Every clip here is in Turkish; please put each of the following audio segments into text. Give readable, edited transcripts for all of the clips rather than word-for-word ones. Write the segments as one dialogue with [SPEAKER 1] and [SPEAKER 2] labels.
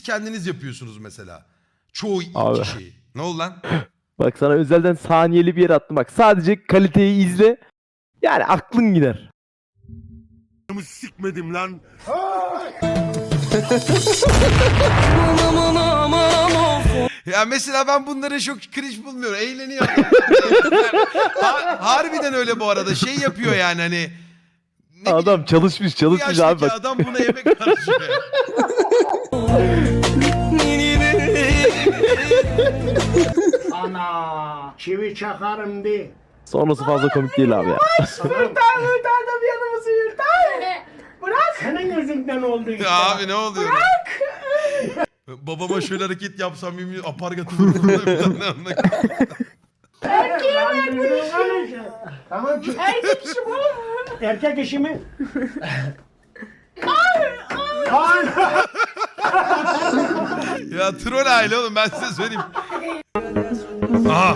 [SPEAKER 1] kendiniz yapıyorsunuz mesela. Çoğu
[SPEAKER 2] Abi.
[SPEAKER 1] kişi. Ne oldu lan?
[SPEAKER 2] Bak sana özelden saniyeli bir yere attım. Bak sadece kaliteyi izle. Yani aklın gider.
[SPEAKER 3] Sikmedim lan.
[SPEAKER 1] Ya mesela ben bunları çok cringe bulmuyorum. Eğleniyor. Harbiden öyle bu arada. Şey yapıyor yani hani. Ne
[SPEAKER 2] Adam
[SPEAKER 1] bileyim,
[SPEAKER 2] çalışmış
[SPEAKER 1] bu
[SPEAKER 2] abi
[SPEAKER 1] yaştaki
[SPEAKER 2] bak.
[SPEAKER 1] adam buna yemek harcıyor ya.
[SPEAKER 4] Ana çivi çakarım de.
[SPEAKER 2] Sonrası fazla komik değil abi ya.
[SPEAKER 4] Yırtar da bir yanımızı yırtar. Bırak. Senin yüzünden oldu işte.
[SPEAKER 1] Ya abi ne oluyor? Bırak. Babama şöyle hareket yapsam yemin apargatı vururdum.
[SPEAKER 4] Tamam ki. Erkek işi bu. Erkek işi mi?
[SPEAKER 1] Ya troll aile oğlum ben size söyleyeyim. Aha.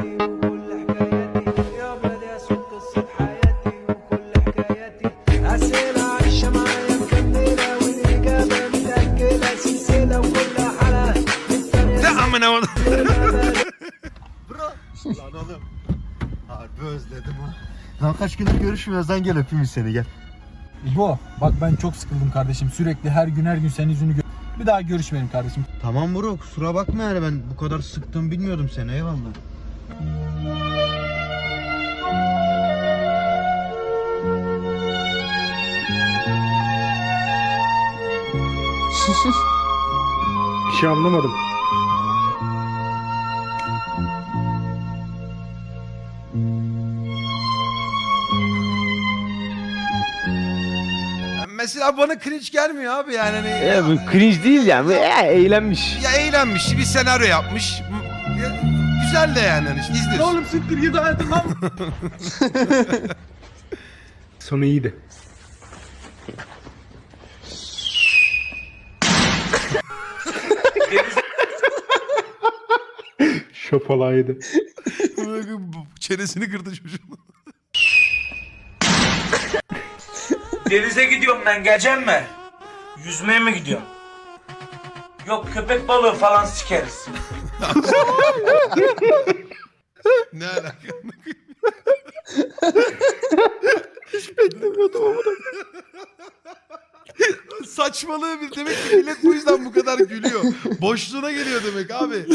[SPEAKER 1] Ne amına onu.
[SPEAKER 3] Lan oğlum. Harbi özledim ha. Lan kaç gündür görüşmüyoruz lan, gel öpeyim seni gel.
[SPEAKER 5] İbo bak ben çok sıkıldım kardeşim. Sürekli her gün senin yüzünü bir daha görüşmeyelim kardeşim.
[SPEAKER 3] Tamam bro, kusura bakma yani, ben bu kadar sıktığımı bilmiyordum seni, eyvallah.
[SPEAKER 6] Bir şey anlamadım.
[SPEAKER 1] Mesela bana cringe gelmiyor abi yani hani.
[SPEAKER 2] Bu cringe değil yani. Eğlenmiş.
[SPEAKER 1] Ya eğlenmiş, bir senaryo yapmış. Ya, güzel de yani hani işte izliyorsun.
[SPEAKER 5] Oğlum siktir git hayatım lan.
[SPEAKER 6] Sonu iyiydi. Şopalaydı.
[SPEAKER 1] Çenesini kırdı çocuğun.
[SPEAKER 7] Denize gidiyorum ben, geleceğim mi? Yüzmeye mi gidiyorum? Yok, köpek balığı falan sikeriz.
[SPEAKER 1] Ne alaka?
[SPEAKER 2] Hiç beklemiyordum ama.
[SPEAKER 1] Saçmalığı bir demek ki millet bu yüzden bu kadar gülüyor. Boşluğuna geliyor demek abi.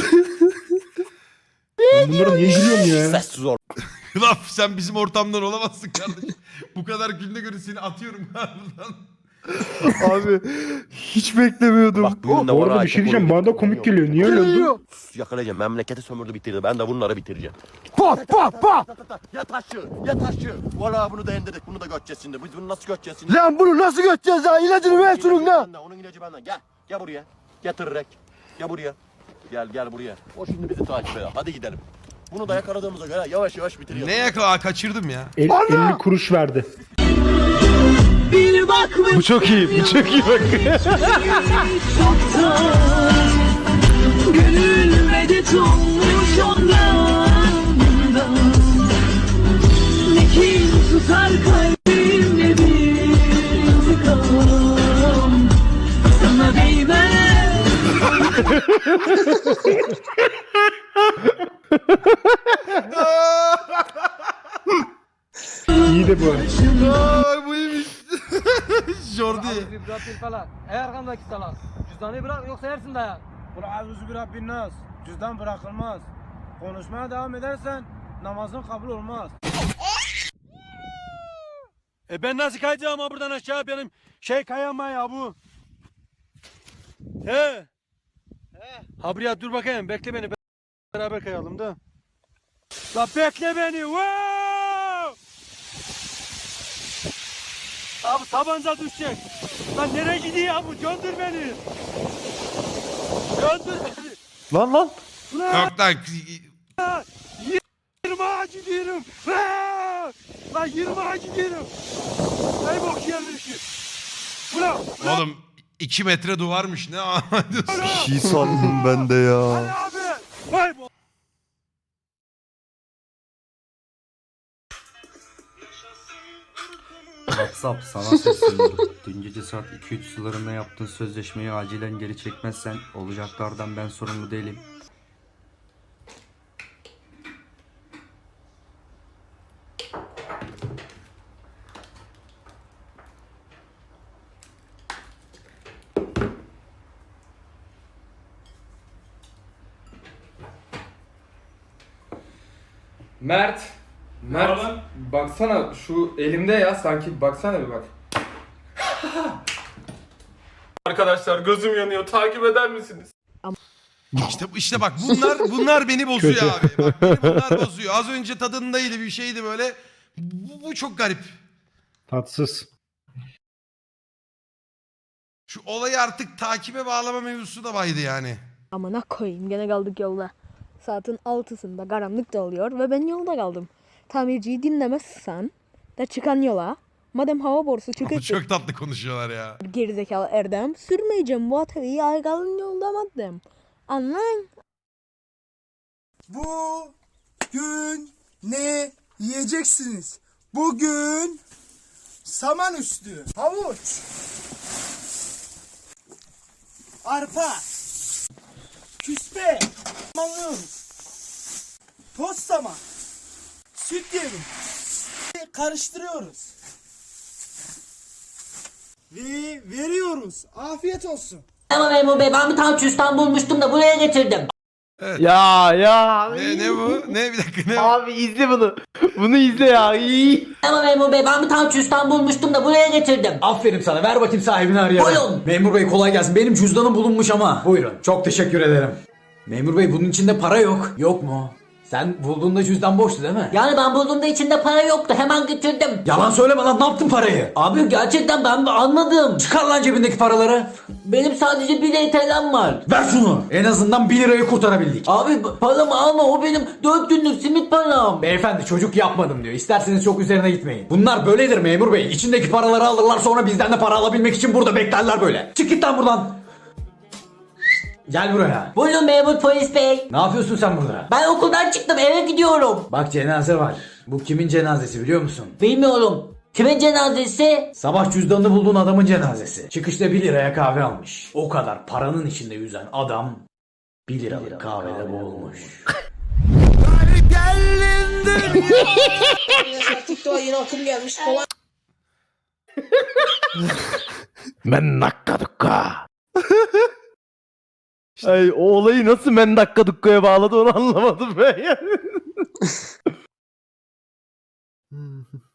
[SPEAKER 6] Ben bunlara niye gülüyorum ya?
[SPEAKER 1] Lan sen bizim ortamdan olamazsın kardeşim. Bu kadar gülüne göre seni atıyorum buradan.
[SPEAKER 3] Abi hiç beklemiyordum.
[SPEAKER 8] Bak bugün de
[SPEAKER 6] Bu
[SPEAKER 8] var
[SPEAKER 6] arada bir şey diyeceğim. Bana da komik geliyor. Niye öyle oldu?
[SPEAKER 8] Yakalayacağım. Memleketi sömürdü bitirdi. Ben de bunları bitireceğim. Pat pat pat. Ya taşı, ya taşı. Valla bunu da indirdik. Bunu da göteceğiz şimdi. Biz bunu nasıl göteceğiz şimdi?
[SPEAKER 3] Lan bunu nasıl göteceğiz ya? İlacını ver şunun lan.
[SPEAKER 8] Onun ilacı benden. Gel. Gel buraya. Getirerek. Gel buraya. Gel buraya. O şimdi bizi takip eder. Hadi gidelim. Bunu da yakaladığımıza göre yavaş yavaş bitiriyoruz.
[SPEAKER 1] Ne yakala kaçırdım ya.
[SPEAKER 6] 50 kuruş verdi.
[SPEAKER 2] Bu çok iyi. Bu çok iyi bak.
[SPEAKER 9] Gönül medet olmuş ondan. Ne kin tutar kalbimde bir intikam. Sana değmez.
[SPEAKER 6] İyi de bu.
[SPEAKER 1] Ay bu iyiymiş. Jordi.
[SPEAKER 5] Ey arkamdaki salak. Cüzdanı bırak yoksa yersin dayak. Kul a'udhu bi rabbin nas. Cüzdan bırakılmaz. Konuşmaya devam edersen namazın kabul olmaz. Ben nasıl kayacağım ha buradan aşağı, benim kayama ya bu. He. Ha buraya dur bakayım, bekle beni, beraber kayalım da. La bekle beni. Wow! Abi tabanca düşecek. Lan nereye gidiyor ya bu? Göndür beni. Göndür beni.
[SPEAKER 3] Lan.
[SPEAKER 1] Yok lan.
[SPEAKER 5] 20'a gidiyorum. Lan 20'a gidiyorum. Ay bok yerleşi. Ulan.
[SPEAKER 1] Oğlum 2 metre duvarmış ne anlıyorsun?
[SPEAKER 3] Bir şey sandım ben de ya.
[SPEAKER 5] Abi. Vay bok.
[SPEAKER 10] WhatsApp sana sesleniyorum. Dün gece saat 2-3 sularında yaptığın sözleşmeyi acilen geri çekmezsen olacaklardan ben sorumlu değilim.
[SPEAKER 5] Mert. Mert. Baksana şu elimde ya sanki baksana bir bak. Arkadaşlar gözüm yanıyor. Takip eder misiniz?
[SPEAKER 1] İşte bak bunlar beni bozuyor abi. Bak beni bunlar bozuyor. Az önce tadındaydı bir şeydi böyle. Bu çok garip.
[SPEAKER 6] Tatsız.
[SPEAKER 1] Şu olayı artık takibe bağlama mevzusu da baydı yani.
[SPEAKER 11] Amına koyayım gene kaldık yolda. Saatin 6'sında karanlık da oluyor ve ben yolda kaldım. Tamirciyi dinlemezsen de çıkan yola. Madem hava borusu
[SPEAKER 1] Ama
[SPEAKER 11] çıkıp
[SPEAKER 1] çok tatlı konuşuyorlar ya.
[SPEAKER 11] gerizekalı Erdem sürmeyeceğim bu atölyeyi ay kalın yolda madem. Anlayın.
[SPEAKER 4] Bugün ne yiyeceksiniz? Bugün saman üstü, havuç, arpa, küspe, malıyoruz. Toz saman, süt yemi, karıştırıyoruz. Ve veriyoruz. Afiyet olsun.
[SPEAKER 9] Ama memur bey ben bir tane cüzdan bulmuştum da buraya getirdim.
[SPEAKER 2] Ya.
[SPEAKER 1] Ne bu? Ne bir dakika ne?
[SPEAKER 2] Abi izle bunu. Bunu izle ya. İyi.
[SPEAKER 9] Ama memur bey ben bir tane cüzdan bulmuştum da buraya getirdim.
[SPEAKER 5] Aferin sana. Ver bakayım sahibini arayalım.
[SPEAKER 9] Buyurun.
[SPEAKER 5] Memur bey kolay gelsin. Benim cüzdanım bulunmuş ama. Buyurun. Çok teşekkür ederim. Memur bey bunun içinde para yok. Yok mu? Sen bulduğunda cüzdan boştu değil mi?
[SPEAKER 9] Yani ben bulduğumda içinde para yoktu. Hemen getirdim.
[SPEAKER 5] Yalan söyleme lan, ne yaptın parayı?
[SPEAKER 9] Abi gerçekten ben anladım.
[SPEAKER 5] Çıkar lan cebindeki paraları.
[SPEAKER 9] Benim sadece 1 TL'm var.
[SPEAKER 5] Ver şunu. En azından 1 lirayı kurtarabildik.
[SPEAKER 9] Abi paramı alma, o benim 4 günlük simit param.
[SPEAKER 5] Beyefendi çocuk yapmadım diyor. İsterseniz çok üzerine gitmeyin. Bunlar böyledir memur bey. İçindeki paraları alırlar, sonra bizden de para alabilmek için burada beklerler böyle. Çık git lan buradan. Gel buraya.
[SPEAKER 9] Buyurun memur polis bey.
[SPEAKER 5] Ne yapıyorsun sen burada?
[SPEAKER 9] Ben okuldan çıktım, eve gidiyorum.
[SPEAKER 5] Bak cenaze var. Bu kimin cenazesi biliyor musun?
[SPEAKER 9] Bilmiyorum. Kimin cenazesi?
[SPEAKER 5] Sabah cüzdanını bulduğun adamın cenazesi. Çıkışta 1 liraya kahve almış. O kadar paranın içinde yüzen adam 1 liralık kahvede boğulmuş.
[SPEAKER 9] TikTok'a yeni akım gelmiş. Kolay.
[SPEAKER 2] Men dakika dukka. Ay, o olayı nasıl men dakika dukkaya bağladı onu anlamadım ben yani.